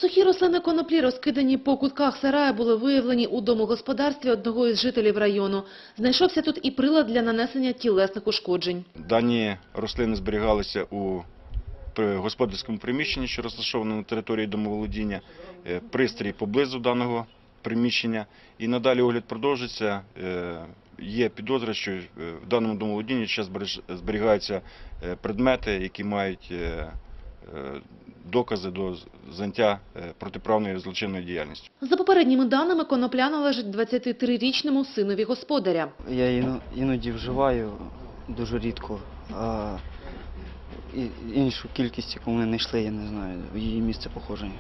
Сухі рослини коноплі, розкидані по кутках сараю, були виявлені у домогосподарстві одного із жителів району. Знайшовся тут і прилад для нанесення тілесних ушкоджень. Дані рослини зберігалися у господарському приміщенні, що розташовано на території домоволодіння, пристрій поблизу даного приміщення. І надалі огляд продовжиться. Є підозра, що в даному домоволодінні ще зберігаються предмети, які мають докази до заняття протиправної злочинної діяльності. За попередніми даними, конопля належить 23-річному синові господаря. Я іноді вживаю, дуже рідко, а іншу кількість, яку ми знайшли, я не знаю, її місце походження.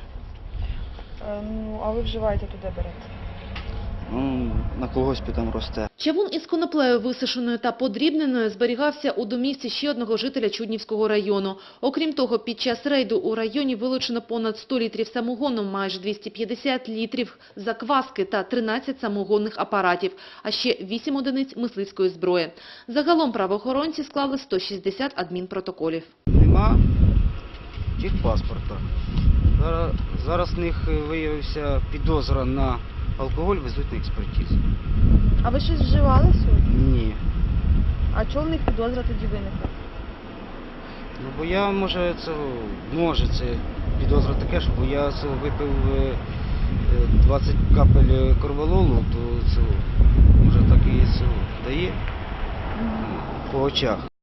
А ви вживаєте, то де берете? На колгоспі там росте. Чавун із коноплею висушеною та подрібненою зберігався у домівці ще одного жителя Чуднівського району. Окрім того, під час рейду у районі вилучено понад 100 літрів самогону, майже 250 літрів закваски та 13 самогонних апаратів, а ще 8 одиниць мисливської зброї. Загалом правоохоронці склали 160 адмінпротоколів. Нема техпаспорта. Зараз в них виявився підозра на алкоголь, везуть на експертизу. А ви щось вживали сьогодні? Ні. А чому в них підозра тоді виникла? Бо я, може це підозра таке, що бо я випив 20 капель корвалолу, то це, може так і дає по очах.